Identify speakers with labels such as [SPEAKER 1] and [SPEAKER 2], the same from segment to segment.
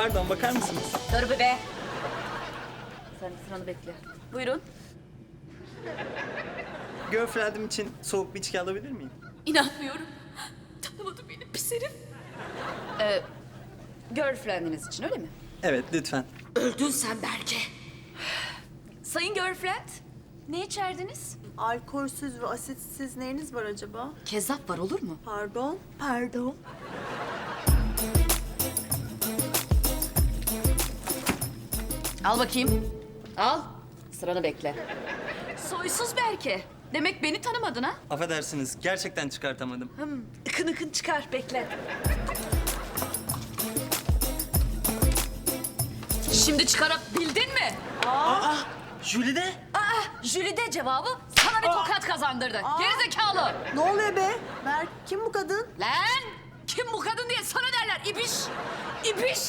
[SPEAKER 1] Pardon, bakar mısınız?
[SPEAKER 2] Dur be. Sen sıranı bekle. Buyurun.
[SPEAKER 1] Girlfriend'im için soğuk bir içki alabilir miyim?
[SPEAKER 2] İnanmıyorum. Tanımadı beni pis herif. Girlfriend'iniz için öyle mi?
[SPEAKER 1] Evet, lütfen.
[SPEAKER 2] Öldün sen Berke. Sayın girlfriend, ne içerdiniz?
[SPEAKER 3] Alkolsüz ve asitsiz neyiniz var acaba?
[SPEAKER 2] Kezzap var olur mu?
[SPEAKER 3] Pardon? Pardon.
[SPEAKER 2] Al bakayım. Al. Sıranı bekle. Soysuz Berke. Demek beni tanımadın ha?
[SPEAKER 1] Affedersiniz, gerçekten çıkartamadım.
[SPEAKER 2] Ikın ıkın çıkar, bekle. Şimdi çıkarabildin mi?
[SPEAKER 1] Jülide!
[SPEAKER 2] Jülide cevabı sana bir tokat kazandırdı. Gerizekalı.
[SPEAKER 3] Ne oluyor be? Berk, kim bu kadın?
[SPEAKER 2] Lan! Kim bu kadın diye sana derler. İbiş! İbiş!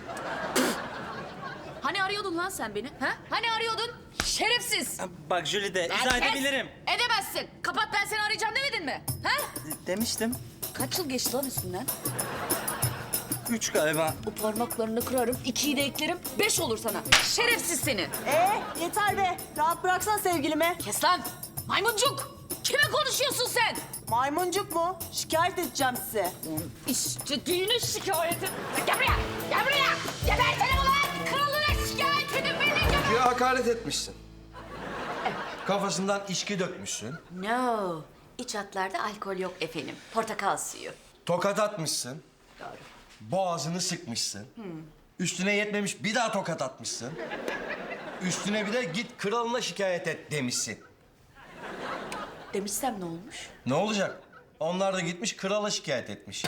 [SPEAKER 2] Hani arıyordun lan sen beni? Ha? Hani arıyordun? Şerefsiz!
[SPEAKER 1] Bak Jülide,
[SPEAKER 2] Lan
[SPEAKER 1] izah
[SPEAKER 2] kes!
[SPEAKER 1] edebilirim.
[SPEAKER 2] Edemezsin. Kapat, ben seni arayacağım demedin mi? Ha?
[SPEAKER 1] Demiştim.
[SPEAKER 2] Kaç yıl geçti lan üstünden?
[SPEAKER 1] 3 galiba.
[SPEAKER 2] Bu parmaklarını kırarım, 2'yi de eklerim, 5 olur sana. Şerefsiz seni.
[SPEAKER 3] Yeter be. Rahat bıraksan sevgilimi.
[SPEAKER 2] Kes lan! Maymuncuk! Kime konuşuyorsun sen?
[SPEAKER 3] Maymuncuk mu? Şikayet edeceğim size.
[SPEAKER 2] İstediğini şikayet et. Gel buraya! Gel buraya! Gebertelim ulan! Kralına şikayet edin beni!
[SPEAKER 4] Ya hakaret etmişsin. Kafasından içki dökmüşsün.
[SPEAKER 2] No. İç hatlarda alkol yok efendim. Portakal suyu.
[SPEAKER 4] Tokat atmışsın.
[SPEAKER 2] Doğru.
[SPEAKER 4] Boğazını sıkmışsın. Üstüne yetmemiş bir daha tokat atmışsın. Üstüne bir de git kralına şikayet et demişsin.
[SPEAKER 2] Demişsem ne olmuş?
[SPEAKER 4] Ne olacak? Onlar da gitmiş krala şikayet etmiş.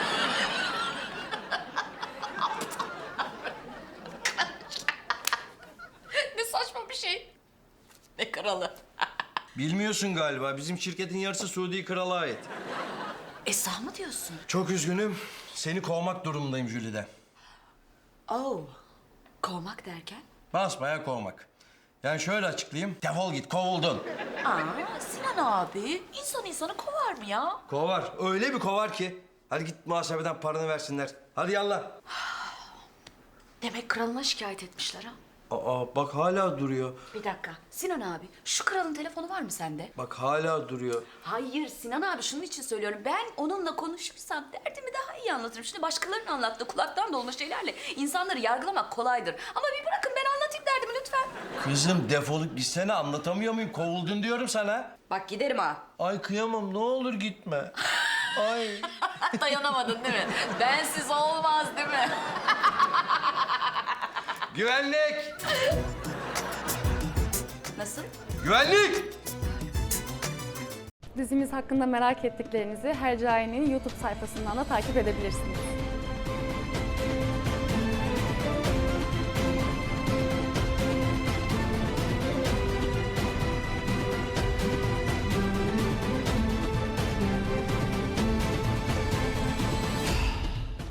[SPEAKER 2] Ne saçma bir şey. Ne kralı?
[SPEAKER 4] Bilmiyorsun galiba bizim şirketin yarısı Suudi krala ait.
[SPEAKER 2] Esra mı diyorsun?
[SPEAKER 4] Çok üzgünüm. Seni kovmak durumundayım Jülide.
[SPEAKER 2] Oh. Kovmak derken?
[SPEAKER 4] Basbayağı kovmak. Yani şöyle açıklayayım. Defol git kovuldun.
[SPEAKER 2] Sinan abi. İnsan insanı kovar mı ya?
[SPEAKER 4] Kovar. Öyle bir kovar ki. Hadi git muhasebeden paranı versinler. Hadi yallah.
[SPEAKER 2] Demek kralına şikayet etmişler ha?
[SPEAKER 4] Bak hala duruyor.
[SPEAKER 2] Bir dakika. Sinan abi, şu kralın telefonu var mı sende?
[SPEAKER 4] Bak hala duruyor.
[SPEAKER 2] Hayır Sinan abi, şunun için söylüyorum. Ben onunla konuşursam derdimi daha iyi anlatırım. Şimdi başkalarının anlattığı kulaktan dolma şeylerle insanları yargılamak kolaydır. Ama bir bırakın ben anlatayım derdimi lütfen.
[SPEAKER 4] Kızım defolup gitsene anlatamıyor muyum? Kovuldun diyorum sana.
[SPEAKER 2] Bak giderim ha.
[SPEAKER 4] Ay kıyamam ne olur gitme. Ay.
[SPEAKER 2] Dayanamadın değil mi? Bensiz olmaz değil mi?
[SPEAKER 4] Güvenlik!
[SPEAKER 2] Nasıl?
[SPEAKER 4] Güvenlik!
[SPEAKER 5] Dizimiz hakkında merak ettiklerinizi Hercai'nin YouTube sayfasından da takip edebilirsiniz.